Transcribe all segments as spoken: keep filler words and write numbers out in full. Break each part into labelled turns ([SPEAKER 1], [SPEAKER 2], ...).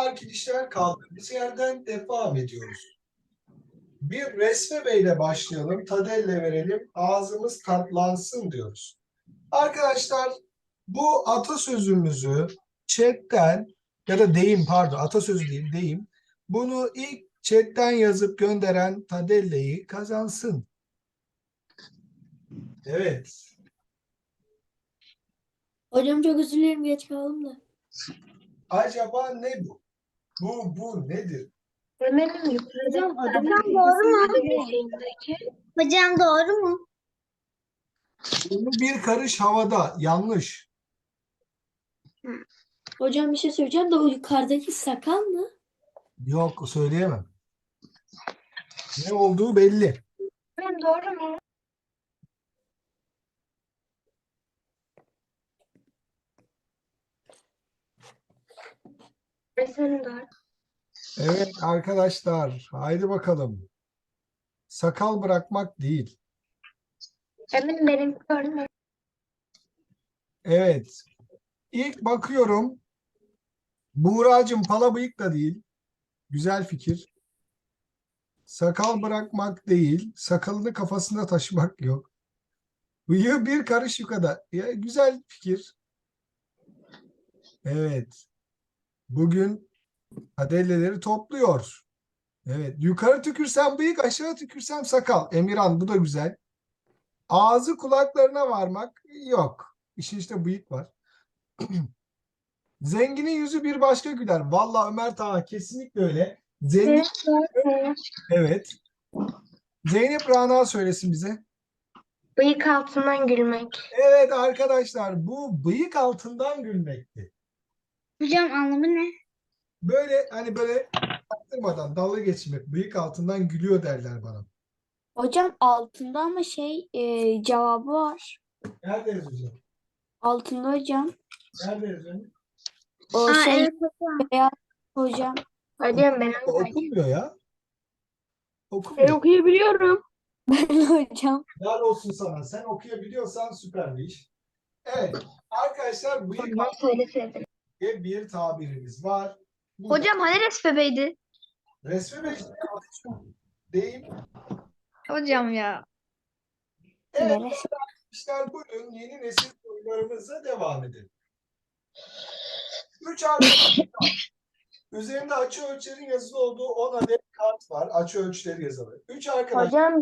[SPEAKER 1] arkadaşlar kaldığımız yerden devam ediyoruz. Bir Resme Bey'le başlayalım. Tadelle verelim. Ağzımız tatlansın diyoruz. Arkadaşlar bu atasözümüzü chatten ya da deyim pardon atasözü değil deyim. Bunu ilk chatten yazıp gönderen Tadelle'yi kazansın. Evet.
[SPEAKER 2] Hocam çok özür dilerim, geç kaldım da.
[SPEAKER 1] Acaba ne bu? Bu bu nedir?
[SPEAKER 3] Ömer'in yukarıda
[SPEAKER 2] Hocam
[SPEAKER 3] adam
[SPEAKER 2] adamın
[SPEAKER 3] doğru mu?
[SPEAKER 2] Hocam doğru mu?
[SPEAKER 1] Bu bir karış havada. Yanlış.
[SPEAKER 2] Hocam bir şey söyleyeceğim de o yukarıdaki sakal mı?
[SPEAKER 1] Yok söyleyemem. Ne olduğu belli.
[SPEAKER 3] Ömer'in doğru mu? Senin doğru.
[SPEAKER 1] Evet arkadaşlar, haydi bakalım. Sakal bırakmak değil.
[SPEAKER 3] Emin benim doğru mu?
[SPEAKER 1] Evet. İlk bakıyorum. Buğracığım pala bıyık da değil. Güzel fikir. Sakal bırakmak değil. Sakalını kafasında taşımak yok. Bıyığı bir karış yukarıda. Ya, güzel fikir. Evet. Bugün adelleleri topluyor. Evet. Yukarı tükürsem bıyık, aşağı tükürsem sakal. Emirhan bu da güzel. Ağzı kulaklarına varmak yok. İşin işte bıyık var. Zenginin yüzü bir başka güler. Vallahi Ömer Taha kesinlikle öyle. Zengin
[SPEAKER 3] Evet doğru mu?
[SPEAKER 1] evet. Zeynep Rana söylesin bize.
[SPEAKER 3] Bıyık altından gülmek.
[SPEAKER 1] Evet arkadaşlar bu bıyık altından gülmekti.
[SPEAKER 2] Hocam anlamı ne?
[SPEAKER 1] Böyle hani böyle baktırmadan dalga geçmek. Bıyık altından gülüyor derler bana.
[SPEAKER 2] Hocam altında ama şey e, cevabı var.
[SPEAKER 1] Nerede yazıyor?
[SPEAKER 2] Altında hocam.
[SPEAKER 1] Nerede yazıyor?
[SPEAKER 2] O
[SPEAKER 3] Aa,
[SPEAKER 2] şey
[SPEAKER 3] evet hocam.
[SPEAKER 2] beyaz hocam.
[SPEAKER 3] Hocam ben
[SPEAKER 1] Okunmuyor ya.
[SPEAKER 3] Ben
[SPEAKER 1] Okunmuyor.
[SPEAKER 3] okuyabiliyorum.
[SPEAKER 2] Ben hocam.
[SPEAKER 1] Helal olsun sana. Sen okuyabiliyorsan süper bir iş. Evet. Arkadaşlar bıyık
[SPEAKER 3] Hocam söyleseydin.
[SPEAKER 1] diye bir tabirimiz var. Bu
[SPEAKER 3] Hocam hani resmebeydi?
[SPEAKER 1] resmi ve deyim.
[SPEAKER 3] Hocam ya.
[SPEAKER 1] Evet
[SPEAKER 2] Neresi?
[SPEAKER 1] arkadaşlar bugün yeni nesil sorularımıza devam edelim. Üç arkadaş üzerinde açı ölçülerin yazılı olduğu on adet kart var. Açı ölçüleri yazılı. Üç arkadaş,
[SPEAKER 3] Hocam,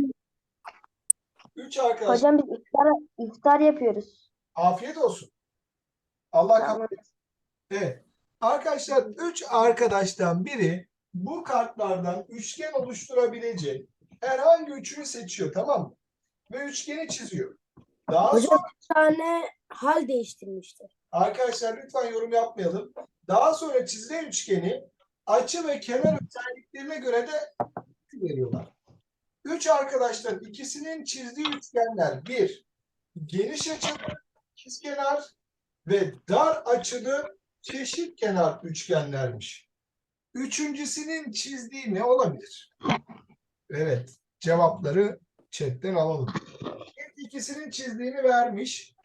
[SPEAKER 1] üç arkadaş
[SPEAKER 3] hocam biz iftar, iftar yapıyoruz.
[SPEAKER 1] afiyet olsun. Allah kabul
[SPEAKER 3] Tamam.
[SPEAKER 1] etsin. Evet. Arkadaşlar üç arkadaştan biri bu kartlardan üçgen oluşturabilecek herhangi üçünü seçiyor, tamam mı? Ve üçgeni çiziyor. Daha
[SPEAKER 3] Hocam
[SPEAKER 1] sonra
[SPEAKER 3] bir tane hal değiştirmiştir.
[SPEAKER 1] arkadaşlar lütfen yorum yapmayalım. Daha sonra çizilen üçgeni açı ve kenar özelliklerine göre de veriyorlar. Üç arkadaştan ikisinin çizdiği üçgenler bir, geniş açılı ikizkenar ve dar açılı çeşit kenar üçgenlermiş. Üçüncüsünün çizdiği ne olabilir? Evet, cevapları chatten alalım. İlk ikisinin çizdiğini vermiş.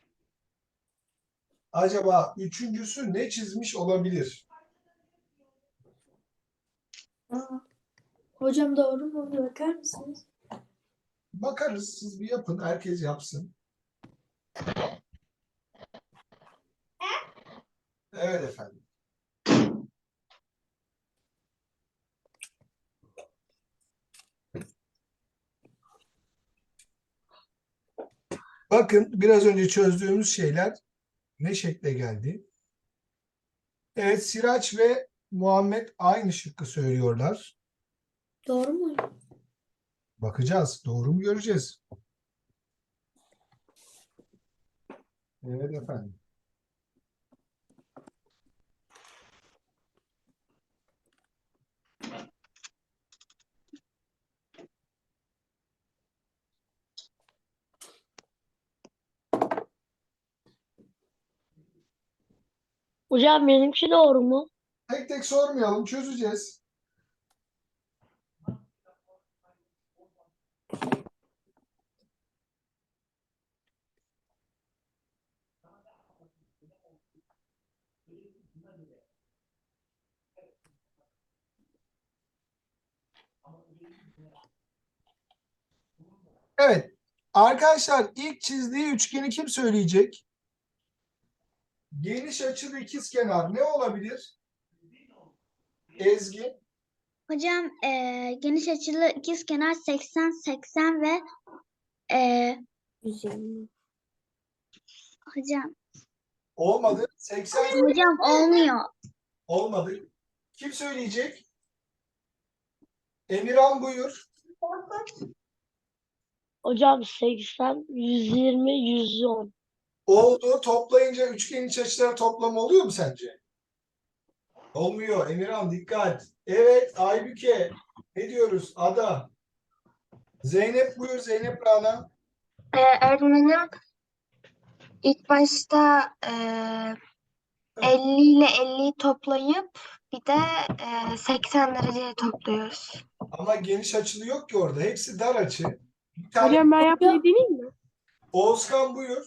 [SPEAKER 1] Acaba üçüncüsü ne çizmiş olabilir?
[SPEAKER 2] Aa, hocam doğru mu? Bir bakar mısınız?
[SPEAKER 1] Bakarız, siz bir yapın, herkes yapsın. Evet efendim. Bakın biraz önce çözdüğümüz şeyler ne şekle geldi? Evet, Siraç ve Muhammed aynı şıkkı söylüyorlar.
[SPEAKER 2] Doğru mu?
[SPEAKER 1] Bakacağız, doğru mu göreceğiz? Evet efendim.
[SPEAKER 3] Hocam benimki doğru mu?
[SPEAKER 1] Tek tek sormayalım, çözeceğiz. Evet. Arkadaşlar ilk çizdiği üçgeni kim söyleyecek? Geniş açılı ikizkenar ne olabilir? Ezgi.
[SPEAKER 2] Hocam eee, geniş açılı ikizkenar seksen, seksen ve eee,
[SPEAKER 3] yüz yirmi.
[SPEAKER 2] hocam
[SPEAKER 1] Olmadı. seksen
[SPEAKER 2] hocam olmuyor.
[SPEAKER 1] olmadı. Kim söyleyecek? Emirhan buyur.
[SPEAKER 3] Hocam seksen, yüz yirmi, yüz on.
[SPEAKER 1] Oldu. Toplayınca üçgenin iç açıları toplamı oluyor mu sence? Olmuyor. Emirhan dikkat. Evet Aybüke. Ne diyoruz? Ada. Zeynep buyur. Zeynep Rana.
[SPEAKER 4] Ee, öğretmenim ilk başta e, elli ile elliyi toplayıp bir de e, seksen dereceye topluyoruz.
[SPEAKER 1] Ama geniş açılı yok ki orada. Hepsi dar açı. Bir tane
[SPEAKER 3] Hocam ben yapmayı deneyeyim mi?
[SPEAKER 1] Oğuzkan buyur.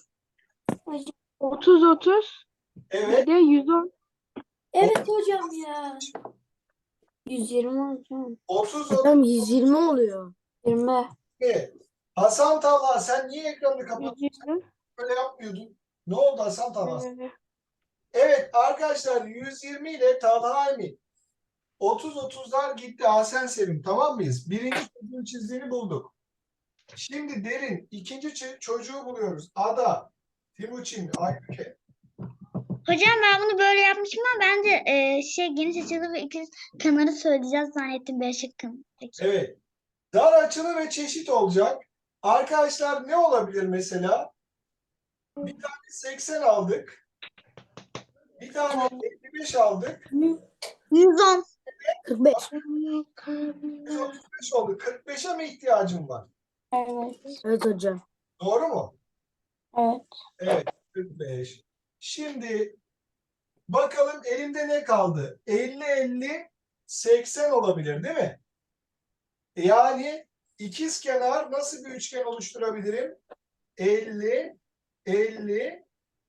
[SPEAKER 3] otuz otuz
[SPEAKER 1] Evet.
[SPEAKER 3] bir de yüz on.
[SPEAKER 2] Evet hocam ya. yüz yirmi hocam.
[SPEAKER 1] otuz
[SPEAKER 3] Hocam yüz yirmi oluyor.
[SPEAKER 2] yirmi.
[SPEAKER 1] otuz. Hasan Talha sen niye ekranını kapattın?
[SPEAKER 3] yüz yirmi.
[SPEAKER 1] Böyle yapmıyordun. Ne oldu Hasan Talha? Evet arkadaşlar yüz yirmi ile Talha Emin. otuz otuzlar gitti Hasan Sevim. Tamam mıyız? Birinci çocuğun çizdiğini bulduk. Şimdi Derin ikinci çi- çocuğu buluyoruz. Ada, Timuçin, Aybüke.
[SPEAKER 2] Hocam ben bunu böyle yapmışım ama bence eee, şey geniş açılı ve ikiz kenarı söyleyeceğiz zannettim B şıkkın. Peki.
[SPEAKER 1] Evet. Dar açılı ve çeşit olacak. Arkadaşlar ne olabilir mesela? Bir tane seksen aldık. Bir tane elli beş aldık.
[SPEAKER 2] yüz on.
[SPEAKER 3] kırk beş.
[SPEAKER 1] yüz otuz beş oldu. kırk beşe mi ihtiyacım var?
[SPEAKER 2] Evet.
[SPEAKER 3] Evet hocam.
[SPEAKER 1] Doğru mu?
[SPEAKER 2] Evet.
[SPEAKER 1] Evet. kırk beş. Şimdi bakalım elimde ne kaldı? elli elli seksen olabilir değil mi? Yani ikizkenar nasıl bir üçgen oluşturabilirim? elli elli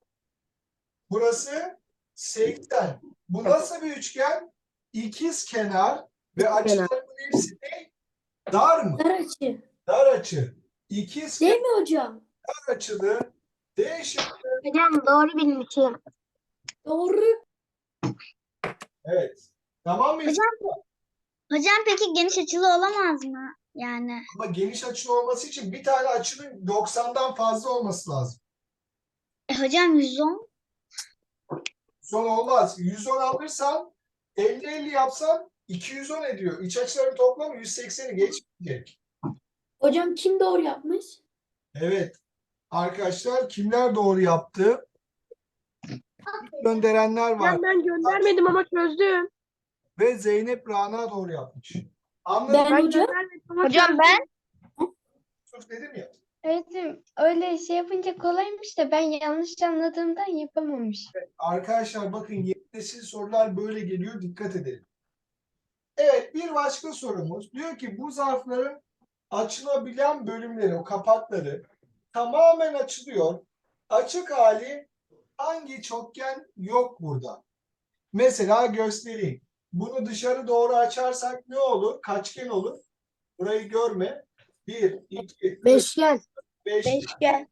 [SPEAKER 1] burası seksen. Bu nasıl bir üçgen? İkizkenar ve açıların hepsi ne? Dar mı?
[SPEAKER 2] Dar açı.
[SPEAKER 1] Dar açı. İkizkenar
[SPEAKER 2] Değil mi hocam?
[SPEAKER 1] açılı D şıkkı.
[SPEAKER 4] Hocam doğru bilmişim.
[SPEAKER 2] Doğru.
[SPEAKER 1] Evet. Tamam mıyız?
[SPEAKER 2] Hocam, hocam peki geniş açılı olamaz mı? Yani.
[SPEAKER 1] Ama geniş açılı olması için bir tane açının doksandan fazla olması lazım.
[SPEAKER 2] E, hocam yüz on.
[SPEAKER 1] Son olmaz. yüz on alırsan elli elli yapsan iki yüz on ediyor. İç açıların toplamı yüz sekseni geçmeyecek.
[SPEAKER 2] Hocam kim doğru yapmış?
[SPEAKER 1] Evet. Arkadaşlar kimler doğru yaptı? Gönderenler var.
[SPEAKER 3] Ben, ben göndermedim ama çözdüm.
[SPEAKER 1] Ve Zeynep Rana doğru yapmış. Anladım.
[SPEAKER 2] Ben
[SPEAKER 3] Ben
[SPEAKER 2] hocam.
[SPEAKER 3] göndermedim ama
[SPEAKER 4] Hocam
[SPEAKER 3] çözdüm.
[SPEAKER 4] ben
[SPEAKER 1] Yusuf dedim ya.
[SPEAKER 4] öğretim öyle şey yapınca kolaymış da ben yanlış anladığımdan yapamamış.
[SPEAKER 1] Arkadaşlar bakın yeni nesil sorular böyle geliyor. Dikkat edelim. Evet bir başka sorumuz. Diyor ki bu zarfların açılabilen bölümleri, o kapakları tamamen açılıyor. Açık hali hangi çokgen yok burada? Mesela göstereyim. Bunu dışarı doğru açarsak ne olur? Kaçgen olur? Burayı görme. Bir, iki, üç,
[SPEAKER 3] Beşgen.
[SPEAKER 1] beş.
[SPEAKER 2] Beşgen.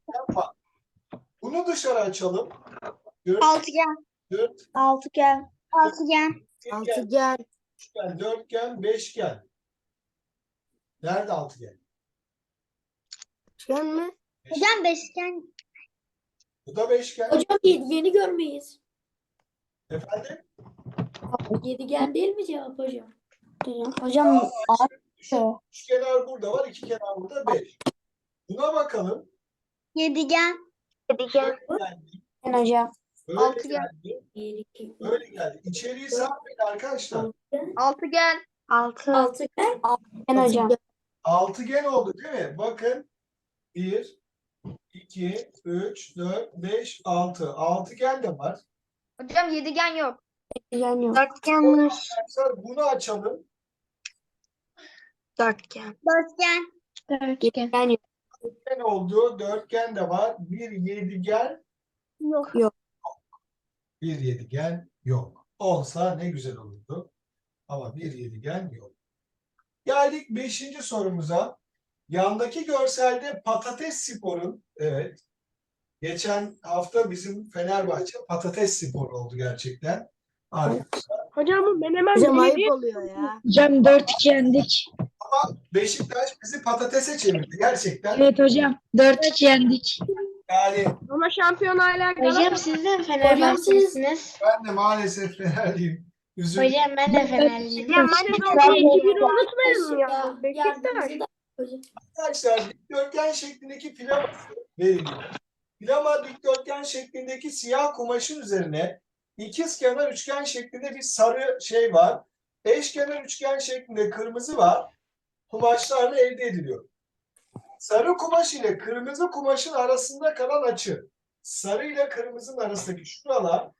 [SPEAKER 1] Bunu dışarı açalım. Dört,
[SPEAKER 2] Altıgen.
[SPEAKER 1] dört,
[SPEAKER 2] Altıgen. Altıgen.
[SPEAKER 1] üçgen,
[SPEAKER 3] Altıgen.
[SPEAKER 1] üçgen, dörtgen, beşgen. Nerede altıgen?
[SPEAKER 3] Beşgen mi?
[SPEAKER 2] Hocam beşgen.
[SPEAKER 1] Bu da beşgen.
[SPEAKER 5] Hocam yedi görmeyiz.
[SPEAKER 1] Efendim?
[SPEAKER 5] Yedigen değil mi cevap hocam?
[SPEAKER 2] Hocam
[SPEAKER 1] Düşün. Üç kenar burada var, iki kenar burada beş. Buna bakalım.
[SPEAKER 2] yedigen.
[SPEAKER 4] Yedigen.
[SPEAKER 1] Geldi,
[SPEAKER 2] Hocam.
[SPEAKER 1] böyle
[SPEAKER 4] Altıgen.
[SPEAKER 1] geldi,
[SPEAKER 5] Bir, iki,
[SPEAKER 1] böyle geldi. İçeriği sapmayın arkadaşlar.
[SPEAKER 4] Altıgen. Altı.
[SPEAKER 5] altıgen.
[SPEAKER 2] Ben hocam.
[SPEAKER 1] Altıgen oldu değil mi? Bakın. bir, iki, üç, dört, beş, altı. Altıgen de var.
[SPEAKER 4] Hocam yedigen yok.
[SPEAKER 2] Yedigen yok.
[SPEAKER 4] Dörtgen var.
[SPEAKER 1] Arkadaşlar bunu açalım.
[SPEAKER 4] Dörtgen.
[SPEAKER 2] Dörtgen.
[SPEAKER 4] Dörtgen.
[SPEAKER 2] yok.
[SPEAKER 1] Dörtgen oldu. Dörtgen de var. Bir yedigen,
[SPEAKER 2] Yok.
[SPEAKER 1] bir yedigen yok. Olsa ne güzel olurdu. Ama bir yedigen yok. Geldik beşinci sorumuza. Yandaki görselde Patates Spor'un, evet, geçen hafta bizim Fenerbahçe Patates Spor oldu gerçekten. Arkadaşlar,
[SPEAKER 3] Hocam bu menemen
[SPEAKER 5] Hocam
[SPEAKER 3] belediye.
[SPEAKER 5] ayıp oluyor ya.
[SPEAKER 4] Hocam dört iki yendik.
[SPEAKER 1] Beşiktaş bizi patatese çevirdi gerçekten.
[SPEAKER 4] Evet hocam dört iki yendik.
[SPEAKER 1] Yani
[SPEAKER 3] Ama şampiyon hala
[SPEAKER 2] Hocam
[SPEAKER 3] Galatasaray.
[SPEAKER 2] siz de Fenerbahçelisiniz.
[SPEAKER 1] ben de maalesef Fenerliyim. Üzüldüm.
[SPEAKER 2] Hocam ben de Fenerliyim.
[SPEAKER 3] Hocam ben de iki biri unutmayalım ya.
[SPEAKER 5] Ya,
[SPEAKER 3] Beşiktaş.
[SPEAKER 5] yardımcı da hocam.
[SPEAKER 1] Arkadaşlar dikdörtgen şeklindeki flaması veriliyor. Flama dikdörtgen şeklindeki siyah kumaşın üzerine ikizkenar üçgen şeklinde bir sarı şey var. Eşkenar üçgen şeklinde kırmızı var. Kumaşlarla elde ediliyor. Sarı kumaş ile kırmızı kumaşın arasında kalan açı. Sarı ile kırmızının arasındaki şuralar.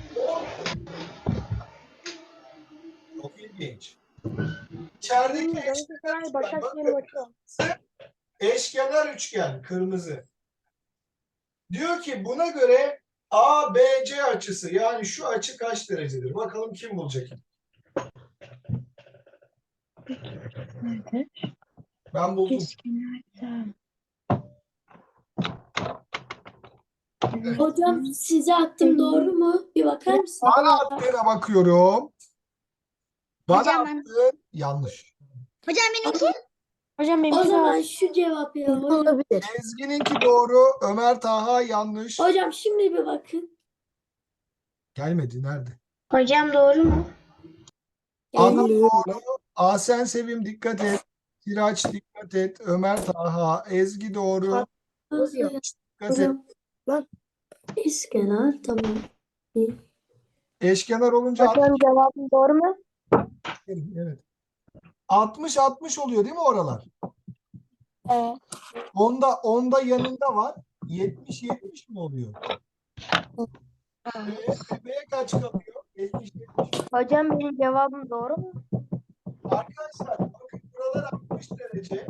[SPEAKER 1] Çok ilginç. İçerideki eşkenar üçgen,
[SPEAKER 3] Başakşehir
[SPEAKER 1] bakın,
[SPEAKER 3] maçı.
[SPEAKER 1] eşkenar üçgen kırmızı. Diyor ki buna göre A B C açısı, yani şu açı kaç derecedir? Bakalım kim bulacak? Ben buldum.
[SPEAKER 5] Hocam size attım doğru mu? Bir bakar mısın?
[SPEAKER 1] Bana attığına bakıyorum. Bana
[SPEAKER 2] Hocam ben-
[SPEAKER 1] attığın yanlış.
[SPEAKER 2] Hocam benimki.
[SPEAKER 3] Hocam
[SPEAKER 5] O zaman şu cevap ya hocam.
[SPEAKER 6] Olabilir.
[SPEAKER 1] Ezgi'ninki doğru. Ömer Taha yanlış.
[SPEAKER 5] Hocam şimdi bir bakın.
[SPEAKER 1] Gelmedi. Nerede?
[SPEAKER 2] Hocam doğru mu?
[SPEAKER 1] Adam
[SPEAKER 6] Geliyor.
[SPEAKER 1] doğru. Asen Sevim dikkat et. Siraç dikkat et. Ömer Taha. Ezgi doğru.
[SPEAKER 5] Hocam.
[SPEAKER 1] Dikkat et.
[SPEAKER 5] Hocam. İskenar tamam.
[SPEAKER 1] Eşkenar olunca
[SPEAKER 3] Hocam cevabım doğru mu?
[SPEAKER 1] evet. altmış altmış oluyor değil mi oralar?
[SPEAKER 3] Evet.
[SPEAKER 1] Onda onda yanında var. yetmiş yetmiş mi oluyor? Ee, tepeye kaç kalıyor? yetmiş yetmiş.
[SPEAKER 3] Hocam benim cevabım doğru mu?
[SPEAKER 1] Arkadaşlar bakın buralar altmış derece.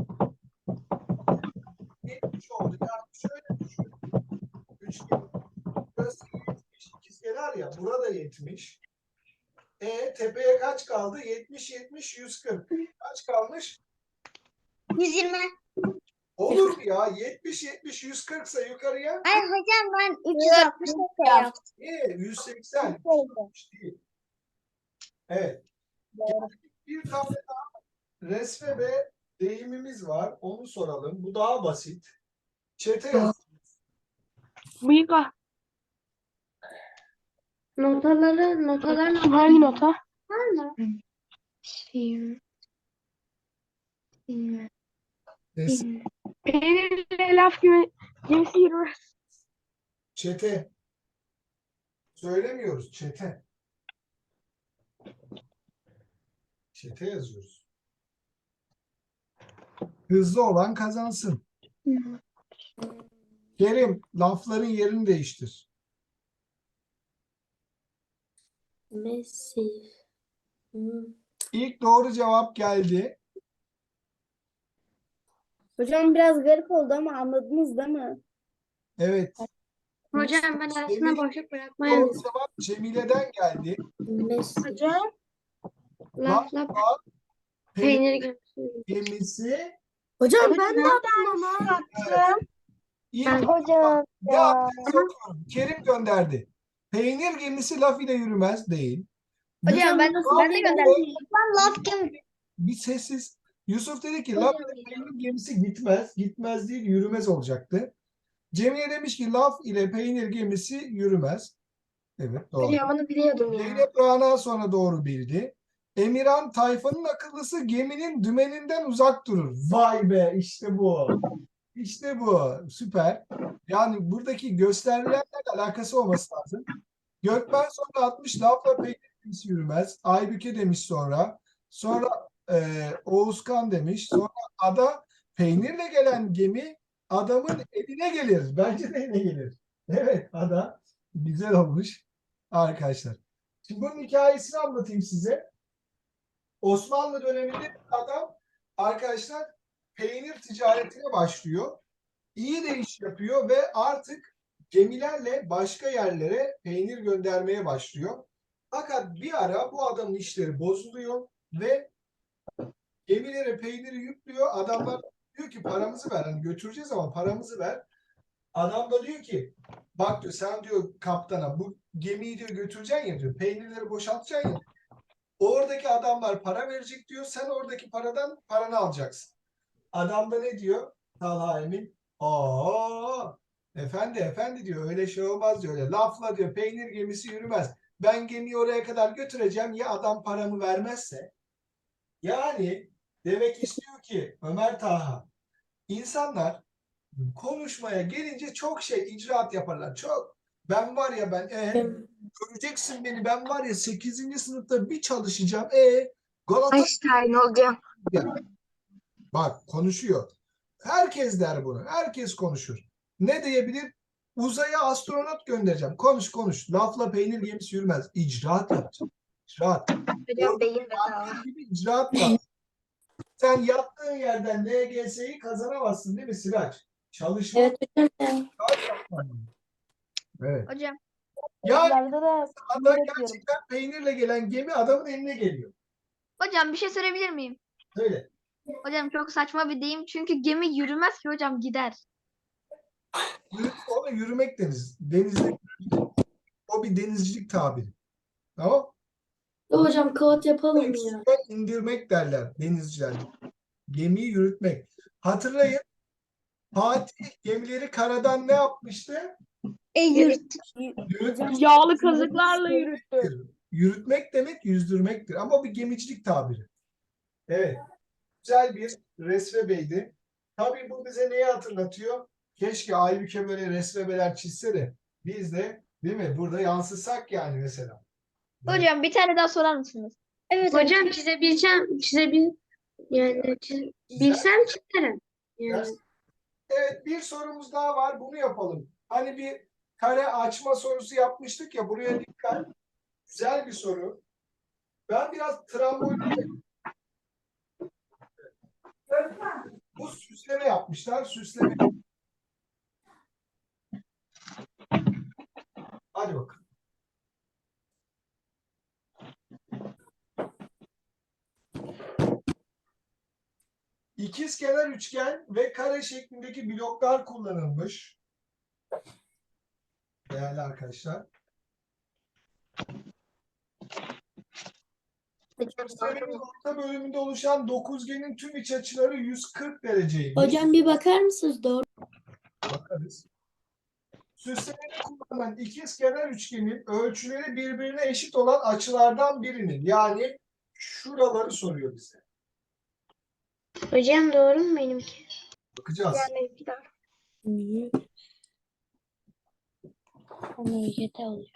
[SPEAKER 1] yetmiş oldu. Yani şöyle düşün. Üçgen. Burası yetmiş. İkizkenar ya. Burada yetmiş. E tepeye kaç kaldı? yetmiş yetmiş yüz kırk. Kaç kalmış?
[SPEAKER 2] yüz yirmi.
[SPEAKER 1] Olur mu ya? yetmiş yetmiş yüz kırk ise yukarıya
[SPEAKER 2] Hayır hocam ben üç yüz altmış yaptım.
[SPEAKER 1] e, yüz seksen değil. Evet. Bir tane daha resme ve deyimimiz var. Onu soralım. Bu daha basit. Çete yaz.
[SPEAKER 3] Bıyık ah.
[SPEAKER 2] Notaları, notalar
[SPEAKER 3] Hangi nota?
[SPEAKER 2] var mı?
[SPEAKER 1] Resim.
[SPEAKER 3] Peynirle laf gibi gemisi yürür.
[SPEAKER 1] Çete. Söylemiyoruz. Çete. Çete yazıyoruz. Hızlı olan kazansın. Kerim, lafların yerini değiştir.
[SPEAKER 5] Messi. Hmm.
[SPEAKER 1] İlk doğru cevap geldi.
[SPEAKER 4] Hocam biraz garip oldu ama anladınız değil mi?
[SPEAKER 1] Evet.
[SPEAKER 2] Hocam ben arasına
[SPEAKER 1] Semih,
[SPEAKER 2] boşluk bırakmaya
[SPEAKER 1] doğru cevap Cemile'den geldi.
[SPEAKER 5] Messi.
[SPEAKER 3] Hocam.
[SPEAKER 2] laf laf
[SPEAKER 1] Lafla peynir
[SPEAKER 2] peynir
[SPEAKER 1] gemisi.
[SPEAKER 5] Hocam ben ne yaptım ama?
[SPEAKER 1] İlk
[SPEAKER 3] Hocam.
[SPEAKER 1] ne yaptığını soruyorum. Kerim gönderdi. Peynir gemisi laf ile yürümez değil.
[SPEAKER 2] Hocam ben,
[SPEAKER 1] Yusuf
[SPEAKER 2] ben de
[SPEAKER 1] dedi
[SPEAKER 2] gönderdim.
[SPEAKER 1] ki,
[SPEAKER 2] Ben laf kim?
[SPEAKER 1] bir sessiz. Yusuf dedi ki laf ile peynir gemisi gitmez. Gitmez değil yürümez olacaktı. Cemile demiş ki laf ile peynir gemisi yürümez. Evet doğru.
[SPEAKER 2] Hocam onu biliyordum ya.
[SPEAKER 1] Zeynep Rana sonra doğru bildi. Emirhan tayfanın akıllısı geminin dümeninden uzak durur. Vay be işte bu. İşte bu. Süper. Yani buradaki gösterilenlerle alakası olması lazım. Gökmen sonra atmış lafla peynir gemisi yürümez. Aybüke demiş sonra. Sonra e, Oğuzkan demiş. Sonra ada peynirle gelen gemi adamın eline gelir. Bence de eline gelir. Evet ada. Güzel olmuş arkadaşlar. Şimdi bunun hikayesini anlatayım size. Osmanlı döneminde bir adam arkadaşlar peynir ticaretine başlıyor. İyi de iş yapıyor ve artık gemilerle başka yerlere peynir göndermeye başlıyor. Fakat bir ara bu adamın işleri bozuluyor ve Gemilere peyniri yüklüyor. Adamlar diyor ki paramızı ver. Hani götüreceğiz ama paramızı ver. Adam da diyor ki bak diyor sen diyor kaptana bu gemiyi diyor götüreceksin ya diyor. Peynirleri boşaltacaksın ya. Oradaki adamlar para verecek diyor. Sen oradaki paradan paranı alacaksın. Adam da ne diyor? Talha Emin. Aa, efendi efendi diyor. Öyle şey olmaz diyor. Öyle lafla diyor. Peynir gemisi yürümez. Ben gemiyi oraya kadar götüreceğim. Ya adam paramı vermezse? Yani demek istiyor ki Ömer Talha insanlar konuşmaya gelince çok şey icraat yaparlar. Çok. Ben var ya ben e, göreceksin beni ben var ya sekizinci sınıfta bir çalışacağım. E Galata
[SPEAKER 6] Einstein olacağım.
[SPEAKER 1] ya. Bak konuşuyor. Herkes der bunu. Herkes konuşur. Ne diyebilir? Uzaya astronot göndereceğim. Konuş konuş. Lafla peynir gemisi yürümez. İcraat yapacağım. İcraat.
[SPEAKER 6] Hocam beyin bedava.
[SPEAKER 1] Orada gibi icraat var. Sen yattığın yerden L G S'yi kazanamazsın değil mi Sirac? Çalışma.
[SPEAKER 5] Evet hocam.
[SPEAKER 1] Evet.
[SPEAKER 6] Hocam.
[SPEAKER 1] Yani
[SPEAKER 4] Sınavlarda da
[SPEAKER 1] adam gerçekten peynirle gelen gemi adamın eline geliyor.
[SPEAKER 6] Hocam bir şey sorabilir miyim?
[SPEAKER 1] Öyle.
[SPEAKER 6] Hocam çok saçma bir deyim çünkü gemi yürümez ki hocam gider.
[SPEAKER 1] Yürü, ona yürümek deniz. Denizde o bir denizcilik tabiri. Tamam?
[SPEAKER 5] Hocam kağıt yapalım ya.
[SPEAKER 1] Suya indirmek derler denizciler. Gemiyi yürütmek. Hatırlayın. Fatih gemileri karadan ne yapmıştı?
[SPEAKER 2] E, yurt.
[SPEAKER 1] Yürütmüş.
[SPEAKER 3] Yağlı kazıklarla yürüttü.
[SPEAKER 1] Yürütmek demek yüzdürmektir. Ama o bir gemicilik tabiri. Evet. Güzel bir resmebeydi. Tabii bu bize neyi hatırlatıyor? Keşke Aybüke böyle resmebeler çizse de biz de değil mi? Burada yansıtsak yani mesela.
[SPEAKER 6] Hocam bir tane daha sorar mısınız?
[SPEAKER 2] Evet
[SPEAKER 5] Hocam çizebileceğim, çizebil yani çiz- bilsem çizerim. Yani.
[SPEAKER 1] Evet bir sorumuz daha var. Bunu yapalım. Hani bir kare açma sorusu yapmıştık ya. Buraya dikkat. Güzel bir soru. Ben biraz trambolin bu süsleme yapmışlar. Süsleme. Hadi bakalım. İkizkenar üçgen ve kare şeklindeki bloklar kullanılmış. Değerli arkadaşlar. Gösterinin orta bölümünde oluşan dokuzgenin tüm iç açıları yüz kırk dereceymiş.
[SPEAKER 5] Hocam bir bakar mısınız? Doğru.
[SPEAKER 1] Bakarız. Süslemede kullanılan ikizkenar üçgenin ölçüleri birbirine eşit olan açılardan birinin. Yani şuraları soruyor bize.
[SPEAKER 5] Hocam doğru mu benimki?
[SPEAKER 1] Bakacağız.
[SPEAKER 6] Yani bir daha.
[SPEAKER 3] Y T oluyor.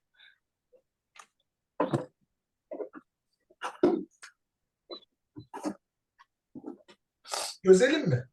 [SPEAKER 1] Çözelim mi?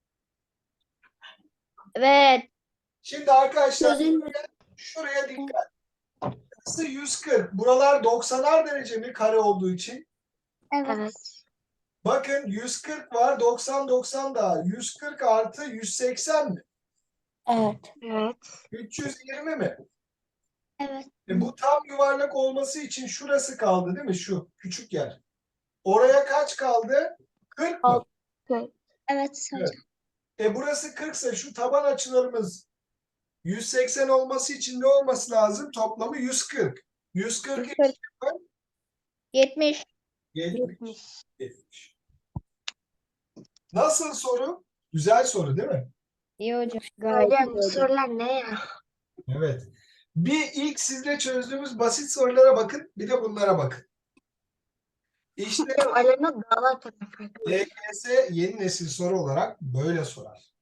[SPEAKER 6] Evet.
[SPEAKER 1] Şimdi arkadaşlar
[SPEAKER 5] Çözelim.
[SPEAKER 1] şuraya dikkat. Burası yüz kırk. Buralar doksanar derece mi kare olduğu için?
[SPEAKER 2] Evet.
[SPEAKER 1] Bakın yüz kırk var, doksan doksan daha. yüz kırk artı yüz seksen mi?
[SPEAKER 3] Evet.
[SPEAKER 6] Evet.
[SPEAKER 1] üç yüz yirmi mi?
[SPEAKER 2] Evet.
[SPEAKER 1] E bu tam yuvarlak olması için şurası kaldı değil mi? Şu küçük yer. Oraya kaç kaldı? kırk mı?
[SPEAKER 2] Evet hocam.
[SPEAKER 1] Evet. E burası kırk ise şu taban açılarımız yüz seksen olması için ne olması lazım? Toplamı yüz kırk. yüz kırk
[SPEAKER 6] yüz kırk. yetmiş.
[SPEAKER 1] yetmiş. yetmiş. Nasıl soru? Güzel soru değil mi?
[SPEAKER 6] İyi hocam.
[SPEAKER 5] Hocam bu sorular ne ya?
[SPEAKER 1] Evet. Bir ilk sizle çözdüğümüz basit sorulara bakın. Bir de bunlara bakın. İşte
[SPEAKER 5] Alena dağlar tarafı.
[SPEAKER 1] L G S yeni nesil soru olarak böyle sorar.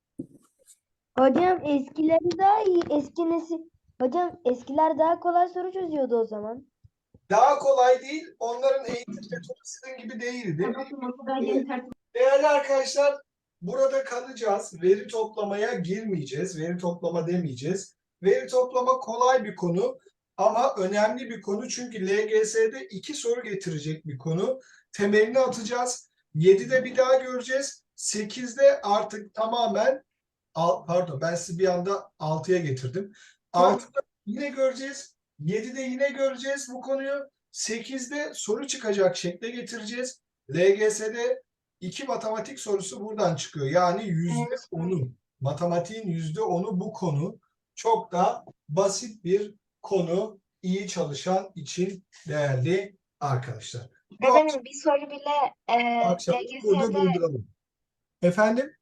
[SPEAKER 7] Hocam eskileri daha iyi. Eski nesil. Hocam eskiler daha kolay soru çözüyordu o zaman.
[SPEAKER 1] Daha kolay değil. Onların eğitim metodu sizin gibi değil, değil mi? Değerli arkadaşlar, burada kalacağız. Veri toplamaya girmeyeceğiz. Veri toplama demeyeceğiz. Veri toplama kolay bir konu ama önemli bir konu. Çünkü L G S'de iki soru getirecek bir konu. Temelini atacağız. yedide bir daha göreceğiz. sekizde artık tamamen pardon ben sizi bir anda altıya getirdim. altıda yine göreceğiz. yedide yine göreceğiz bu konuyu. sekizde soru çıkacak şekle getireceğiz. L G S'de iki matematik sorusu buradan çıkıyor. Yani yüzde onu. Matematiğin yüzde onu bu konu. Çok da basit bir konu. İyi çalışan için değerli arkadaşlar. Bu
[SPEAKER 8] Efendim bir soru bile e,
[SPEAKER 1] akşam burada
[SPEAKER 8] L G S'de
[SPEAKER 1] durduralım. Efendim?